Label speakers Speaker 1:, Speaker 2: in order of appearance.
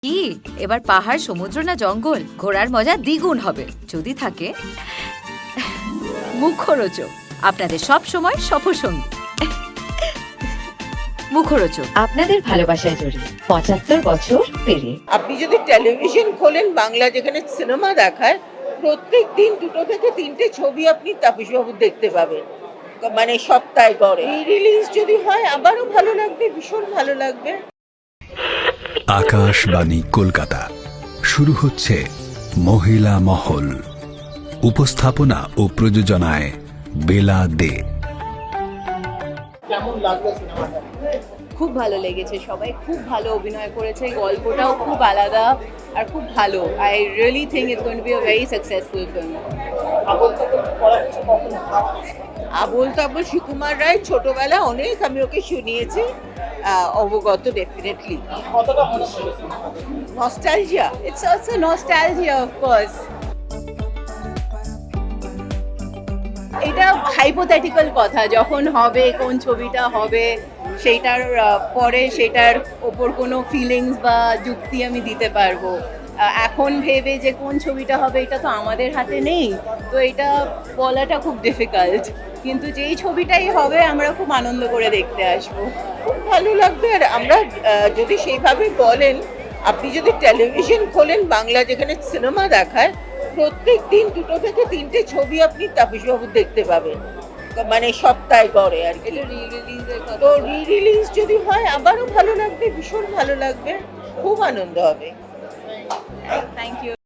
Speaker 1: কি এবার পাহাড়, সমুদ্র না জঙ্গল, ঘোরার মজা দ্বিগুণ হবে যদি থাকে মুখরোচক, আপনাদের সব সময় সফরসঙ্গী। মুখরোচক
Speaker 2: আপনাদের ভালোবাসায় জড়িয়ে ৭৫ বছর পেরিয়ে।
Speaker 3: আপনি যদি টেলিভিশন খোলেন বাংলা, যেখানে সিনেমা দেখায়, প্রত্যেক দিন 2 থেকে 3টে ছবি আপনি তাপসবাবুর দেখতে পাবেন, মানে সপ্তাহে গড়ে। রিলিজ যদি হয় আবারও ভালো লাগবে, ভীষণ ভালো লাগবে।
Speaker 4: আকাশবাণী কলকাতা, শুরু হচ্ছে মহিলা মহল। উপস্থাপনা ও প্রযোজনায় বেলা দে।
Speaker 5: খুব ভালো লেগেছে, সবাই খুব ভালো অভিনয় করেছে, গল্পটাও খুব আলাদা আর খুব ভালো। I really think it's going to be a very successful film.
Speaker 3: Abol Tabol Sukumar Ray ছোটবেলা অনেক আমি ওকে শুনিয়েছি, অবগত definitely. Nostalgia,
Speaker 5: it's also nostalgia of course. এটা হাইপোথেটিক্যাল কথা, যখন হবে, কোন ছবিটা হবে, সেইটার পরে সেটার ওপর কোনো ফিলিংস বা যুক্তি আমি দিতে পারবো। এখন ভেবে যে কোন ছবিটা হবে এটা তো আমাদের হাতে নেই, তো এটা বলাটা খুব ডিফিকাল্ট। কিন্তু যেই ছবিটাই হবে আমরা খুব আনন্দ করে দেখতে আসবো।
Speaker 3: খুব ভালো লাগবে। আর আমরা যদি সেইভাবে বলেন, আপনি যদি টেলিভিশন খোলেন বাংলা, যেখানে সিনেমা দেখায়, প্রত্যেক দিন 2 থেকে 3টে ছবি আপনি তাপসবাবুর দেখতে পাবেন, মানে সপ্তাহে গড়ে আর কি।
Speaker 5: এটা রি-রিলিজের
Speaker 3: তো রিলিজ যদি হয় আবারও ভালো লাগবে, ভীষণ ভালো লাগবে, খুব আনন্দ হবে।
Speaker 5: Thank you.